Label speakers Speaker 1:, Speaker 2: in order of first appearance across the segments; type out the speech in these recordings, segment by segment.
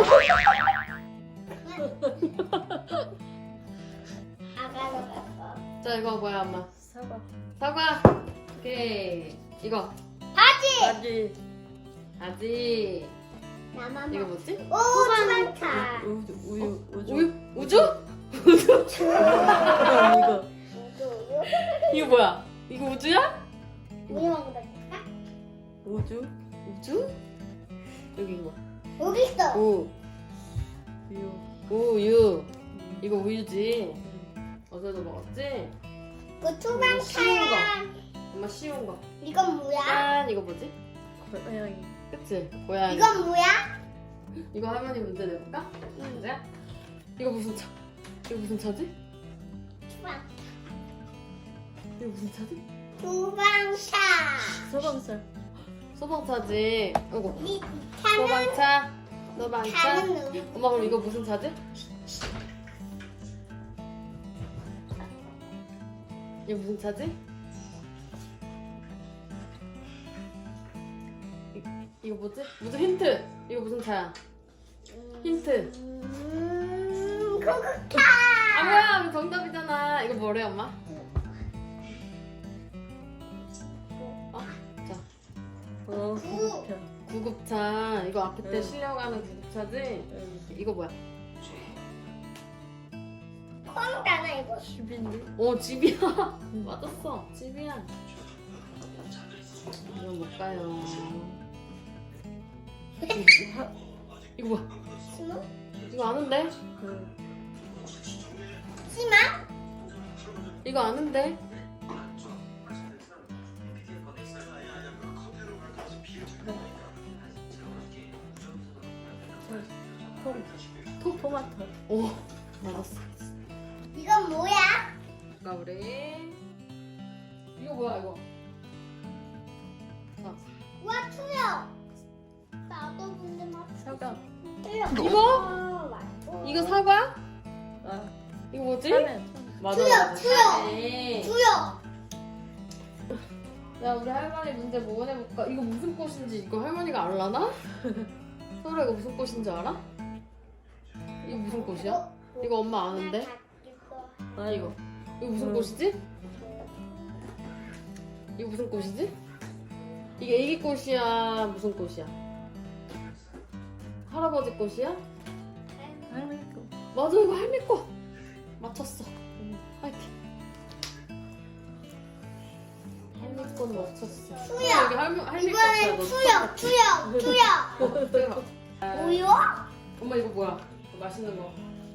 Speaker 1: 아가도 갔어.
Speaker 2: 자 이거 뭐야 엄마?
Speaker 3: 사과.
Speaker 2: 사과. 오케이. 이거
Speaker 1: 바지.
Speaker 3: 바지.
Speaker 2: 아지.
Speaker 1: 나만.
Speaker 2: 이거 뭐지?
Speaker 1: 오, 주방차.
Speaker 3: 우유.
Speaker 2: 우유? 우주?
Speaker 3: 이거.
Speaker 2: 이거 뭐야? 이거 우주야?
Speaker 1: 우유 먹어볼까?
Speaker 3: 우주.
Speaker 2: 우주? 여기 이거.
Speaker 1: 여기 있어.
Speaker 3: 우유.
Speaker 2: 우유. 이거 우유지. 어제도 먹었지?
Speaker 1: 그 주방차야.
Speaker 2: 엄마 쉬운 거.
Speaker 1: 이건 뭐야?
Speaker 2: 짠. 이거 뭐지?
Speaker 3: 고양이.
Speaker 2: 그치? 고양이.
Speaker 1: 이건 뭐야?
Speaker 2: 이거 할머니 문제 내볼까? 문제야? 이거 무슨 차? 이거 무슨 차지?
Speaker 1: 주방.
Speaker 2: 이거 무슨 차지?
Speaker 1: 주방차.
Speaker 3: 소방차.
Speaker 2: 소방차지. 이거
Speaker 1: 이 차는
Speaker 2: 소방차. 소방차.
Speaker 1: 차는 누구?
Speaker 2: 엄마 그럼 이거 무슨 차지? 이거 무슨 차지? 이거 뭐지? 무슨 힌트? 이거 무슨 차야? 힌트.
Speaker 1: 구급차.
Speaker 2: 아 뭐야? 정답이잖아. 이거 뭐래 엄마? 자
Speaker 3: 구급차.
Speaker 2: 구급차. 이거 앞에 때
Speaker 3: 응.
Speaker 2: 실려가는 구급차지? 이거 뭐야?
Speaker 1: 콩이잖아 이거.
Speaker 3: 집인데.
Speaker 2: 집이야. 맞았어. 집이야. 이거 뭘까요? 이거 뭐야?
Speaker 1: 심어?
Speaker 2: 이거 아는데?
Speaker 1: 심어?
Speaker 2: 이거 아는데?
Speaker 3: 토마토.
Speaker 2: 오 맞았어.
Speaker 1: 이건 뭐야?
Speaker 2: 자 우리 이거 뭐야 이거? 자
Speaker 1: 와 투명. 나도 근데 막
Speaker 3: 사과.
Speaker 1: 투명.
Speaker 2: 이거?
Speaker 1: 맞고.
Speaker 2: 이거 사과?
Speaker 3: 아.
Speaker 2: 이거 뭐지?
Speaker 3: 라면.
Speaker 2: 맞아
Speaker 1: 투여,
Speaker 2: 맞아.
Speaker 1: 투여.
Speaker 2: 사과네.
Speaker 1: 투명.
Speaker 2: 야 우리 할머니 문제 뭐 해볼까? 이거 무슨 꽃인지 이거 할머니가 알라나? 서울아 이거 무슨 꽃인지 알아? 이거 무슨 꽃이야? 이거 엄마 아는데?
Speaker 3: 아 이거.
Speaker 2: 이거 무슨 꽃이지? 이거 무슨 꽃이지? 이게 애기 꽃이야? 무슨 꽃이야? 할아버지 꽃이야?
Speaker 3: 할미꽃.
Speaker 2: 맞아 이거 할미꽃! 맞췄어. 화이팅. 할미꽃 맞췄어.
Speaker 1: 투여.
Speaker 2: 여기 할미꽃이야.
Speaker 1: 이번엔 투명, 투명, 투명. 우유?
Speaker 2: 엄마 이거 뭐야? 이거 맛있는 거.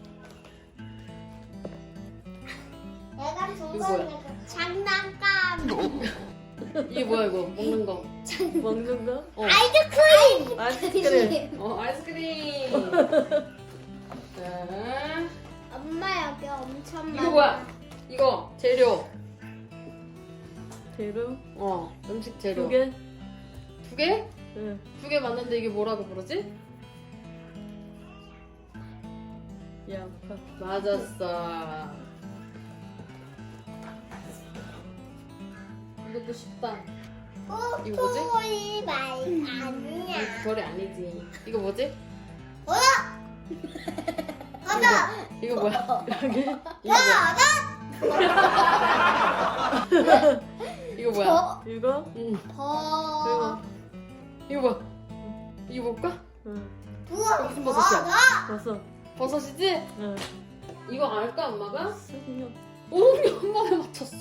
Speaker 1: 내가 준
Speaker 2: 이거
Speaker 1: 거는 장난감.
Speaker 2: 이게 뭐야 이거? 먹는 거.
Speaker 3: 먹는 거?
Speaker 1: 아이스크림.
Speaker 3: 아이스크림.
Speaker 2: 아이스크림. 자,
Speaker 1: 엄마 여기 엄청 많아.
Speaker 2: 이거 뭐야? 이거 재료.
Speaker 3: 재료.
Speaker 2: 음식 재료.
Speaker 3: 2개.
Speaker 2: 두 개?
Speaker 3: 응.
Speaker 2: 2개 맞는데 이게 뭐라고 부르지?
Speaker 3: 양파.
Speaker 2: 맞았어. 이것도 쉽다. 이거 뭐지?
Speaker 1: 소리 말 아니야.
Speaker 2: 이거 별이 아니지. 이거 뭐지?
Speaker 1: 맞아.
Speaker 2: 이거 뭐야?
Speaker 3: 여기.
Speaker 2: 이거 뭐야? 이거 뭐야?
Speaker 3: 이거.
Speaker 2: 응.
Speaker 1: 더.
Speaker 2: 이거 뭐야? 이거 뭘까?
Speaker 3: 응.
Speaker 1: 부어.
Speaker 2: 무슨 버섯이야?
Speaker 3: 버섯.
Speaker 2: 버섯이지?
Speaker 3: 응.
Speaker 2: 이거 알까 엄마가?
Speaker 3: 수육.
Speaker 2: 오, 한 번에 맞췄어.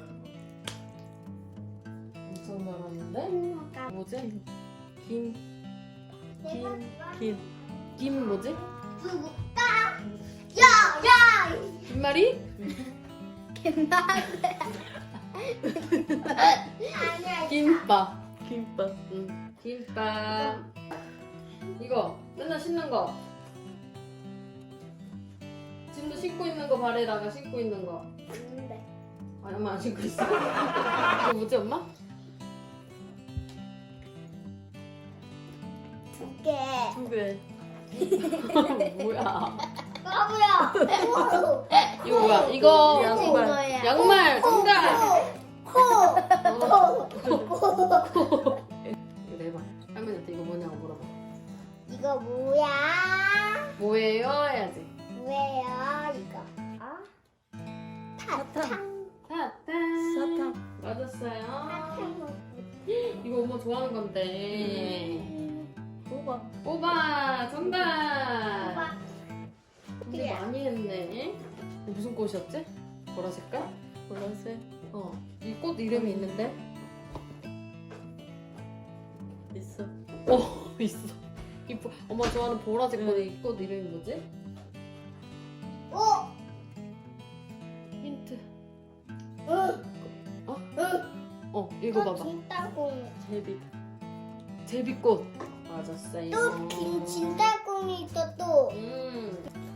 Speaker 2: 엄청 잘하는데? 뭐지? 김. 김 뭐지?
Speaker 1: 누구다? 야.
Speaker 2: 김말이?
Speaker 1: 아니야.
Speaker 2: 김밥.
Speaker 3: 김밥.
Speaker 2: 응. 김밥. 이거 맨날 신는 거. 지금도 신고 있는 거 발에다가 신고 있는 거.
Speaker 1: 아닌데.
Speaker 2: 아니 엄마 안 신고 있어. 이거 뭐지 엄마?
Speaker 1: 두 개.
Speaker 3: 2개.
Speaker 2: 뭐야?
Speaker 1: 까부야.
Speaker 2: 이거 뭐야? 이거
Speaker 3: 양말.
Speaker 2: 양말 정답.
Speaker 1: 코.
Speaker 2: 이거 내봐. 할머니한테 이거 뭐냐고 물어봐.
Speaker 1: 이거 이거 뭐야?
Speaker 2: 뭐예요? 해야지.
Speaker 1: 뭐예요? 이거. 사탕.
Speaker 2: 사탕. 맞았어요.
Speaker 1: 사탕.
Speaker 2: 이거 엄마 좋아하는 건데.
Speaker 3: 뽑아.
Speaker 2: 뽑아. 정답.
Speaker 1: 오빠.
Speaker 2: 근데 많이 했네. 이거 무슨 꽃이었지? 보라 색깔?
Speaker 3: 보라색.
Speaker 2: 이 꽃 이름이 있는데?
Speaker 3: 있어.
Speaker 2: 있어. 엄마 좋아하는 보라색
Speaker 3: 응.
Speaker 2: 꽃, 이 꽃 이름이 뭐지?
Speaker 1: 오.
Speaker 2: 힌트.
Speaker 1: 응.
Speaker 2: 읽어봐봐.
Speaker 1: 진달콩.
Speaker 3: 제비.
Speaker 2: 제비꽃. 맞았어요.
Speaker 1: 또 긴 진달콩이 있어 또.